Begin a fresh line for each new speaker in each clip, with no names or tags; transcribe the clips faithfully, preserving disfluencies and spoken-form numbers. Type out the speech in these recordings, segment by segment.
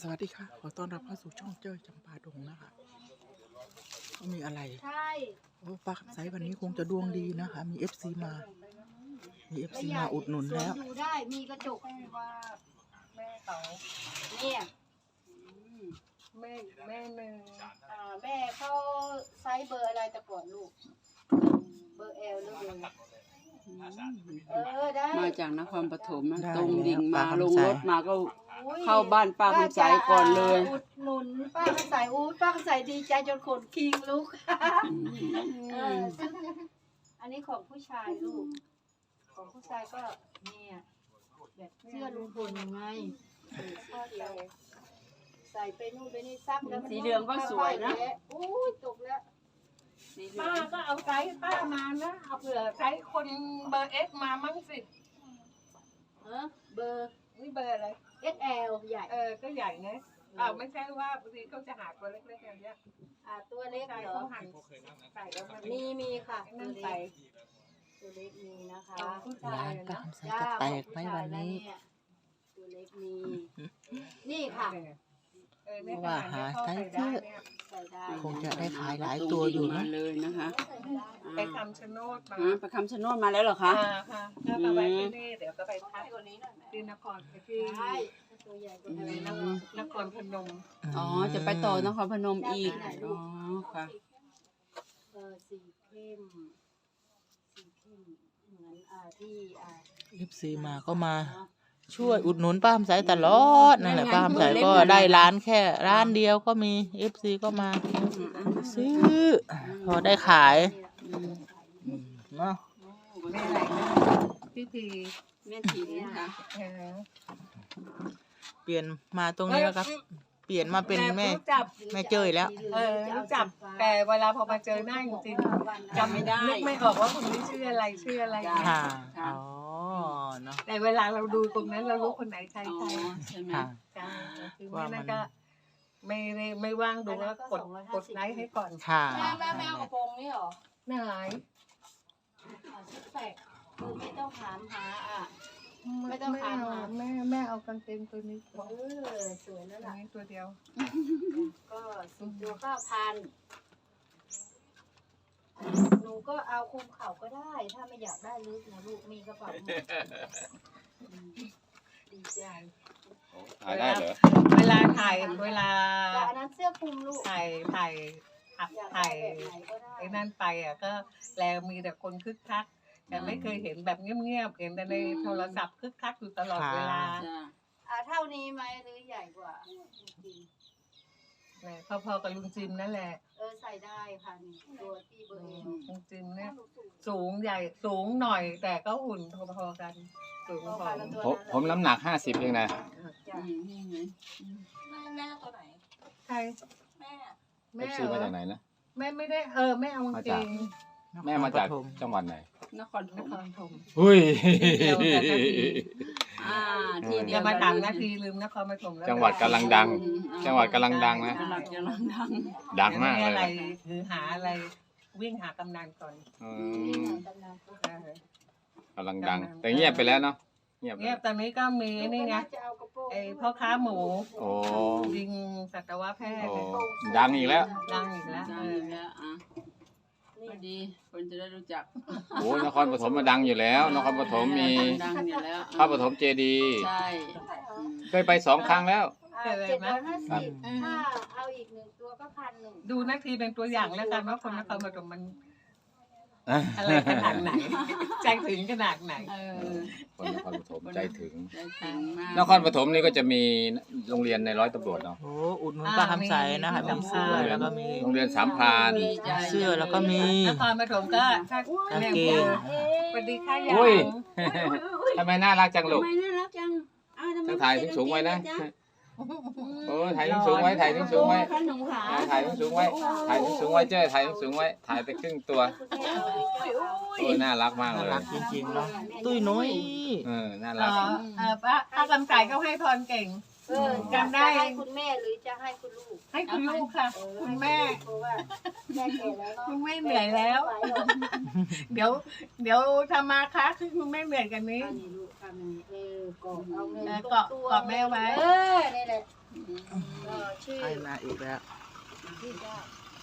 สวัสดีค่ะขอต้อนรับเข้าสู่ช่องเจ้ยจำปาดงนะคะเขามีอะไร
ใช่
โอ้ป้าคำไซวันนี้คงจะดวงดีนะคะมีเอฟซีมามีเอฟซีมาอุดหนุนแล้ว
อยู่ได้มีกระจกว่าแม่เขาเนี่ยแม่แม่หนึ่งอ่าแม่เขาไซส์เบอร์อะไรแต่ก่อนลูกเบอร์เอลหรือเบอร์เออได้
มาจากนครปฐมนะ
ได้
ตรงดิ่ง
แล้ว
มา
ป้า
ลง
คำไซ
รถมาก็เข้าบ้านป้าคำใสก่อนเลย
อุดหนุนป้าคำใสอู้ป้าคำใสดีใจจนขนคิงลุกเออซึ่งอันนี้ของผู้ชายลูกของผู้ชายก็เนี่ยแบบเสื้อลุงพลยังไงเออสีเขียวใส่ไปนู่นไปนี่ซักแล้วมัน
สีเหลืองก็สวยนะ
อู้ยตกแล้ว
สีเหลื
ป้า
อง
ก็เอาไซส์ป้ามานะ เอาเผื่อไซส์คนเบอร์เอ็กมามั่งสิ
เออเบอร์
นี่เบอร์อะไร
เอ็กซ์แอลใหญ่
เออ ก็ใหญ่นะอ้าวไม่ใช่ว่าบางทีเขาจะหาตัวเล็กๆอย่างเงี้ย
อ่าตัวเล็ก
ใส่
เหรอ
เขาหั่นใส่แล้วมัน
มีมีค่ะ
ไอ้
ตั
นั่
วน เล็
ใส่
กตัวเล็กมีนะคะ
ของผู้ชาย
ร้าน
อะ
ป้า
นะ
คำไซจะแตกไหมวันนี้
ตัวเล็กมีนี่ค่ะ
เออในข
ว่า
ณะ
หา
นี้เขา
ไซส์
ใส่
เย
ได้
อะ
เนี่ย
ใส่ได้
คงจะได้ขายหลายตัวอยู่
มา
นะ
เลยนะคะ
ไปคำชะโนดมา
อ่าไปคำชะโนดมาแล้วเหรอคะ
อ่าค่ะถ้ามาไว้ที่นี่เดี๋ยวก็ไปพักที่นครที่
ใช่ตัวใหญ่กว่า
อะไร
นี้
นะ
นะ
นครพนม
อ๋อจะไปต่อนครพนมอีกอ๋อค่ะ
เออสีเข้มสีเข้มเหมือนอ่าที่อ่า
เอฟซีมาก็มาช่วยอุดหนุนป้าคำไซตลอดนั่นแหละป้าคำไซก็ได้ร้านแค่ร้านเดียวก็มีเอฟซีก็มาซื้อพอได้ขายเนาะ
แม่ไหนนะพี่พี
แม่ถิ่นนะคะ
เออ
เปลี่ยนมาตรงนี้แล้วครับ เปลี่ยนมาเป็นแม่
รู้จัก
แม่เจ้ยแล้ว
เออรู้จักแต่เวลาพอมาเจอหน้าจริงๆจำไม่ได้นึกไม่ออกว่าคนนี้ชื่ออะไรชื่ออะไร
ค่ะอ๋อเนาะ
แต่เวลาเราดูตรงนั้นเรารู้คนไหนใคร
อ๋อ
ใคร
ใช่ไหม
ค่ะ
ใช่คือแม่นั่นก็ไม่ไม่ไม่ว่างดูแล้วกดกดไลค์ให้ก่อน
ค่ะ
แม่แม่แม่เอากระโปรงนี่เหรอ
ไหน
อ่าชุดแสกคือไม่ต้องถามหาอ่ะ ไม่ต้องถามหา
แม่แม่เอากางเกงตัวนี้
เออสวยแล้ว
ตัว
ล่ะ
นี้ตัวเดียว
ก็สิบตัวก็พันหนูก็เอาคุมเข่าก็ได้ ถ้าไม่อยากได้ลึกนะลูกมีกระเป๋าหมดอืมดีใจ
ถ่ายได้เหรอ
เวลาถ่ายเวลา
แต่อันนั้นเสื้อคลุมลูก
ถ่ายถ่ายอัพ
อยากได้
ถ่าย
แบบไหนก็ได้
ไอ้นั่นไปอ่ะก็แลมีแต่คนคึกคักแต่ไม่เคยเห็นแบบเงียบๆเห็นแต่ในโทรศัพท์คึกคักอยู่ตลอดเวลา
จ้ะ
อ่าเท่านี้ไหมหรือใหญ่กว่าจริง
เนี่ยพอๆกับลุงจิมนั่นแหละ
ๆเออใส่ได้ค่ะนี่ตัวที่เบอร์เอล
ลุงจิมเนี่ยสูงใหญ่สูงหน่อย แต่ก็หุ่นพอๆกัน สูงพอ
ผมผมน้ำหนักห้าสิบเองนะ
จ้ะ
อืมนี่ไง
แม่แม่ตัวไหน
ใคร
แม่
แม่
ซื้อ
เหร
มา
อ
จากไหนนะ
แม่ไม่ได้เออแม่เอากางเกง
แม่มาจากจังหวัดไหน
นครพ
น
น
ค
ม
รพนม
หุ้ย
เดียวกันนะพี่
อ่าที่เดี
อย่า
ยว
มา
กัน
ถามนาทีลืมนครปฐมแล้ว
จังหวัดกำลังดัง
อืมอ่า
จังหวัดกำลังดังนะ
จังหวัดกำลังดัง
ดังมาก
มี
เล
อะไร
ย
คือหาอะไรวิ่งหากำนันก่อน
อื
นี่
ม
เหมือนกันนะ
เออก
ำลังดัง แต่เงียบไปแล้วเนาะเงียบไป
เงียบตอนนี้ก็มีนี่ไง
จะเอากระโปรง
ไอพ่อค้าหมู
โอ้
ยิงสัตวแพทย์
โอ้
เนี่ย
ดังอีกแล้ว
ดังอีกแล้ว
ดั
เอง อ
แล้วอ่ะพอดีคนจะได้รู้จัก
โอ้นครปฐมมาดังอยู่แล้ว นครปฐมมี
ดังอยู่แล้ว
พระปฐมเจดีย์
ใช่อืม
เคยไปสองครั้งแล้ว
อ่าเจ็ดร้อยห้าสิบถ้าเอาอีกหนึ่งตัวก็พันหนึ่ง
ดูนาทีเป็นตัวอย่างแล้วกันว่าคนนครปฐมมัน
อะ
อะไรขนาดไหน ใจถึงขนาดไหน
เออ
คนนครปฐมใจถึง
ใจถึงมาก
นครปฐมนี่ก็จะมีโรงเรียนในร้อยตำรวจเนาะ
โอ้อุดหนุนป้าคำไซนะคะมีเสื้อแล้วก็มี
โรงเรียนสามพราน
ดีใจ
เสื้อแล้วก็มี
นครปฐมก็ถ้าก
าง
เนี่ย
เกง
สวัสดีค่ะยา
อุ้ย
ง
ทำไมน่ารักจังลู
ทำ
ก
ไมน่ารักจังอ้าวทำไม
ต้องถ่ายสูงๆไว้นะ
จ๊
โอ้ถ่ายสูงๆไว้ถ่ายสูงๆไว้
ขนมขา
ถ่ายสูงๆไว้ถ่ายสูงๆไว้เจ้ยถ่ายสูงๆไว้ถ่ายไปครึ่งตัวโอ้ยน่ารักมาก
น่า
เลย
รักจริงๆเนาะตุ้ยนุ้ย
เออน่า
เอ
รัก
อเออป้าป้ากำไก่เขาให้พรเก่ง
เออจำได้ให้คุณแม่หรือจะให้คุณลูก
ให้คุณลูกค่ะ
เออ
คุณแม่
เพราะว่าแม่แก่แล้วเนาะ
คุณแม่เหนื่อยแล้ว
ไม่ไหวหรอก
เดี๋ยว เดี๋ยวทำมาค้าคือคุณแม่เหนื่อยกันนี้
อันนี้ลูกทำอย่างนี้เออเกาะเอาเงิน
เออเกาะ
ตัว
เกาะแม่ไว้
เออนี่แหละเออชื่อ
ให้มาอีกแล้ว
ชื่อว่า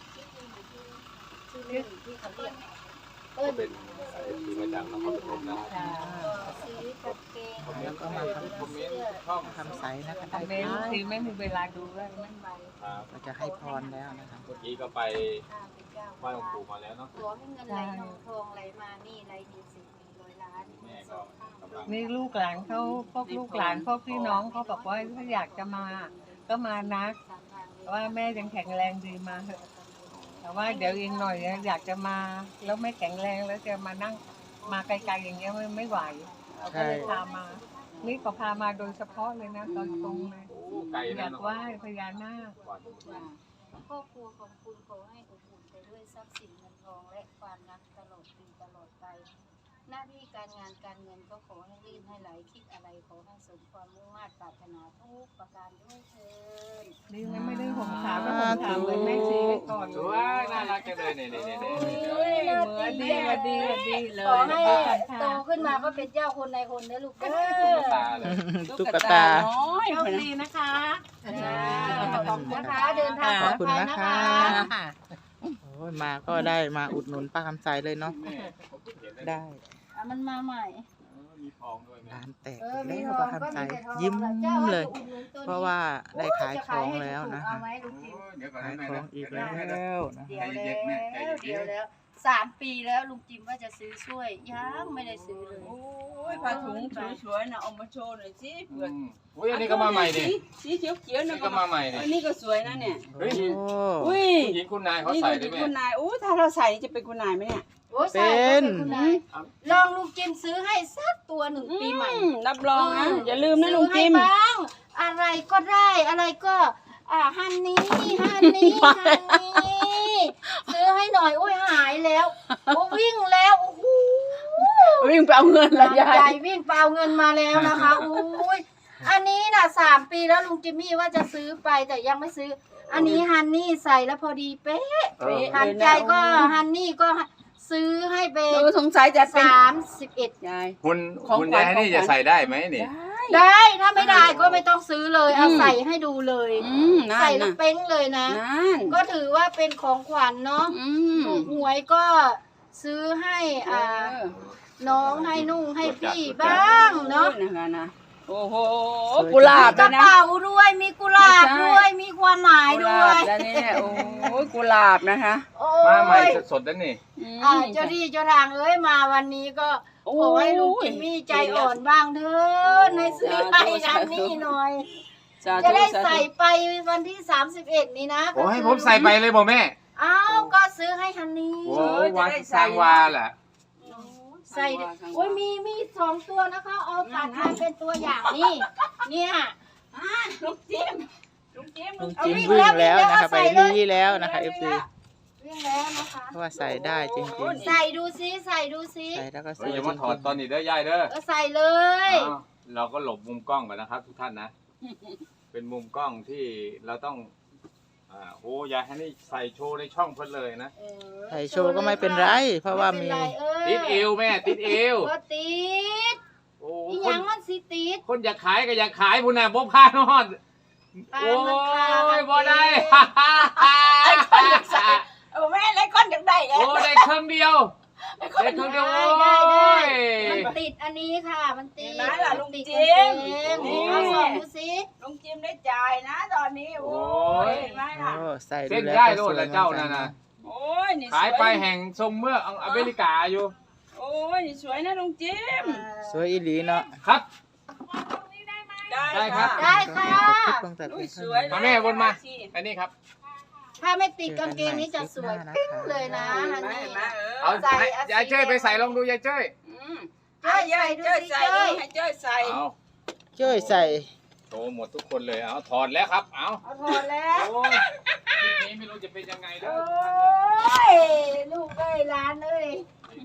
ชื่อเล่นที่เขาเรียกเปิ้ล
เป็นสายทีมาจากนครปฐมนะ
ก็ซื้อกางเกง
แล้วก็มาทำ
คอมเมนต์ช่อง
ทำใสนะคะ
ทำเมนทีไม่มีเวลาดูเลย
มันใบ
ครับ
ก็จะให้พรแล้วนะคะ
เมื่อกี้ก็ไป
ข้าพเจ้า
ไหว้หลวงปู่มาแล้วเนาะ
ขอให้เงินไหลทองทองไหลมานี่ไหลมีสิบมีร้อยล้าน
แม่ก็กำลัง
นี่ลูกหลานเขาพวกลูกหลานพวกพี่น้องเขาบอกว่าถ้าอยากจะมา ก็มานะว่าแม่ยังแข็งแรงดีมาเถอะแต่ว่าเดี๋ยวอีกหน่อยอยากจะมาแล้วไม่แข็งแรงแล้วจะมานั่งมาไกลๆอย่างเงี้ยไม่ไม่ไหวเราก็เลยพามา นี่ก็พามาโดยเฉพาะเลยนะตอนตรงเลย
โอ้ไกล
อ
นะ
ยาก
เนาะ
ไหว้พญานาค
ครอบครัวของคุณขอให้อบอุ่นไปด้วยทรัพย์สินเงินทองและความรักตลอดปีตลอดไป หน้าที่การงานการเงินก็ขอให้ลื่นให้ไหลคิดอะไรขอให้สมความมุ่งมั่นปรารถนาทุกประการด้วยเถิด
นี่ยังไม่ได้ห่มขาวก็ห่มขาวเหมือนแม่ซีไว้ก่อน
สวยน่ารักจังเลยเนี่ยเนี่ยเนี่ยเนี่ย
เหมือนดีมาดีมาดีเล
ขอย ให้โตขึ้นมาก็เป็นเจ้าคนในคนนะลูกเด้อ
ตาเลย
ตุ๊กตา
น้อย
โชคดีนะคะ
ขอบคุณนะคะเดินทางป
ข
ล
อ
อบ ด
คุณ
ภัย
นะ
นะคะ คะ
โอ้ยมาก็ได้มาอุดหนุนป้าคำใสเลยเนาะ
แม่ผมเห็นแล้ว
ได้
อ่ะมันมาใหม่
เออมีทองด้วยแม่
ร้านแตก
เอ
อี
อก มี
แล้ว
ทอ
ป้าง
ก็
คำใส
มีแต่ทอง
ยิ้ม
เจ้าว่า
เลย
จะอุดหนุนตัวนี้
เพราะว่าได้ขายของแล้วนะ
เอา
คะ
ไหมลูกจิ๋ว
โอ้ยเดี๋ยวก่อน
ขาย
นะแม่
ขอ
นะ
งอีก
เดี๋
แล้
ยวนะ
วนะ
เดี๋ยวแล้วเดี๋ยวแล้วสามปีแล้วลุงจิมว่าจะซื้อช่วยยังไม่ได้ซื้อเลย
โอ้ยผ้าถุงสวยๆนะเอามาโชว์หน่อยสิ
อื
เผื่อ
มอุ้ยอันนี้ก็มาใหม่ดิ
สีเขียวๆ
นี่
นะ
ก็มาใหม่ดิ
อันนี้ก็สวยนะเนี่ย
เฮ้ย
โอ้
อุ้ย
ผู้หญิงคุณนายเขา
นี่
ใส่
ก็
ด้
เป็
วย
น
แม่
คุณนายอู้ถ้าเราใส่นี่จะเป็นคุณนายไหมเนี่ย
โอ้ยใส่ก็เป็นคุณนายลองลุงจิมซื้อให้สักตัวหนึ่งปีใหม่
อืมรับรองนะอย่าลืมนะลุง
ซื้อ
จิ
ให้
ม
บ้างอะไรก็ได้อะไรก็อ่าฮันนี่ฮันนี่ฮันนี่ซื้อให้หน่อยโอ้ยหายแล้วโอ้วิ่งแล้วโอ้โห
วิ่งไปเอาเงินละยา
ใจ
ย
วิ่งเปล่าเงินมาแล้วนะคะอุ้ยอันนี้น่ะสามปีแล้วลุงจิมมี่ว่าจะซื้อไปแต่ยังไม่ซื้อ อันนี้ฮันนี่ใส่แล้วพอดีเป๊ะ
เออ
หันใจก็ฮันนี่ก็ซื้อให้เป็น
หนูสงสัยจะเป็น
สามสิบเอ็ด
ยาย
คุณ
ของ
คุณ
ขวัญ
ยายนี่
ของขวัญ
จะใส่ได้ไหมนี่
ได้ถ้าไม่ได้ก็ไม่ต้องซื้อเลยเอาใส่ให้ดูเลย
อืมนั่
ใส่
น
แล้ว
นะ
เป้งเลยนะ
นั่น
ก็ถือว่าเป็นของขวัญเนาะ
อืม
ถูกหวยก็ซื้อให้อ่าน้องให้นุ่งให้พี่บ้างเนาะ
โอ้ยนะคะนะโอ้โห
สวย
กุหลาบ
ก
ด้
ระ
วยนะ
เป๋าด้วยมีกุหลาบ
ไม่ใช่
ด้วยมีความหมาย
กุห
ด้
ลา
วย
บด้านนี้เนี่ยโอ้ยกุหลาบนะคะ
โอ้
มาใหม่
ย
สดๆนั่นนี่
ม
อ่าเจ้าที่เจ้าทางเอ้ยมาวันนี้ก็ขอให้ลุงจิมมี่ใจอ่อนบ้างเถิดในซื้อให้นันนี่หน่อย
สาธุ
จะได้
สาธุ
ใส่ไปวันที่สามสิบเอ็ดนี้นะ
โอ้ให้ผมใส่ไปเลยบ่แม่
อ้าวก็ซื้อให้ฮันนี่
โอ้วันสร้างวาแหละ
ใส่ดิโอ้ยมีมีสองตัวนะคะเอาตัดมาเป็นตัวอย่างนี่เนี่ย
อ่าลุงจิมลุงจิม
ลุงจิมวิ่งแล้วนะคะไปรีแล้วนะคะเอฟซี
วิ่งแล้วนะคะ
เพราะว่าใส่ได้จริง
ใส่ดูซิใส่ดูซิ
ๆใส่แล้วก็ส
เฮ้
วย ย
อย่า
จ
มาถอดตอน
ริง
นี้เด้อยายเด้อ
ก็ใส่เลย
อ้าวเราก็หลบมุมกล้องก่อนนะครับ ทุกท่านนะ เป็นมุมกล้องที่เราต้องอ่าโอ้ยายให้นี่ใส่โชว์ในช่องเพิ่นเลยนะ
เออ
ๆใส่โชว์ก็ไม่เป็นไร เพราะว่ามี
ไเป็นไรเออ
ติดเอวแม่ติดเอว
ก็ติด
โอ้
อีห
ค
ยั
น
งมันสิติด
คนอยากขายก็อยากขายพุ่นน่ะบ่พานอด
ปา
โอ้
นมันคากัน
ยบ่ได้
ไอ้คนอยากใส่เออแม่ไอ้คนอยากได้ไง
โอ้ได้เครื่องเดียวได้เครื่องเดียว
ได้
โอ้
ได้ได้
ย
มันติดอันนี้ค่ะ มันติด
เห็นไหมล่ะลุง
ติด
จิ
กาง
ม
เกง
นี่
เอาสองดูสิ
ลุงจิมได้จ่ายนะตอนนี้โอ้ยเห็นไหมล่ะ
โอ้ใส่
เส้
ดู
น
แล้ว
ได้
ก็
โล
ส
ด
วย
ละ
เหมือน
เจ้า
กั
นั่
น
น
นะ
น่ะ
โอ้ยนี่สวย
ขายไปแห่งทรงเมื่องอเมริกาอยู่
โอ้ยนี่สวยนะลุงจิม
สวยอีหลีเนาะ
ครับ
ได้
ครั
ค่ะ
บ
ได้ค่ะ
ขอบคุณตั้งแต่
อุ้
เพี
ย
ยง
สวย
เท่า
มา
นี้
แม่วนมา อันนี้ครับ
ถ้าไม่ติดกางเกงนี้จะสวย
เจอกันใหม่คลิปหน้านะคะ
เลยนะ
เห็
ฮั
น
น
ไหม
นี่
เห็นไหมเออ
เอา
ใส่
ให้
เอาสี
ยายเจ้ยไปใส่ลองดูยายเจ้ย
อืมอ่ะยายเจ้ยใส่ดูให้เจ้ยใส่
เอา
เจ้ยใส่
โตหมดทุกคนเลย เอาถอดแล้วครับ เอา
เอาถอดแล้ว
โอ้ยคลิปนี้ไม่รู้จะเป็นยังไงเด้
โอ
อ้
ยลูกเอ้ยร้านเอ้ย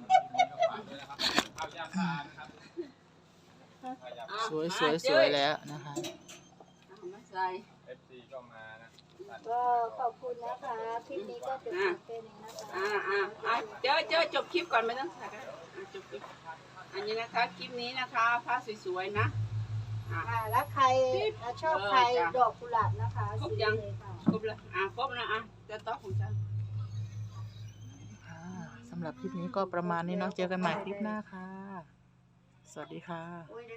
เอายาพานะครับ
สวยสวยสวยแล้วนะคะ
เอามาใส่
เอฟซีก็มานะ
ก็ขอบคุณนะคะคลิปนี้ก็จะเป็นนะคะ
อ่าอ่าอ่าเจ้ยเจ้ยจบคลิปก่อนไม่ต้องใส่กันอ่ะจบคลิปอันนี้นะคะคลิปนี้นะคะผ้าสวยๆนะ
อ่าแล้วใครชอบใครดอกกุหลาบนะคะสีเลยค่ะ
ครบแล้วอ่ะครบนะอ่ะจะต๊อกของฉัน
ค่ะสำหรับคลิปนี้ก็ประมาณนี้เนาะเจอกันใหม่คลิปหน้าค่ะ สวัสดีค่ะ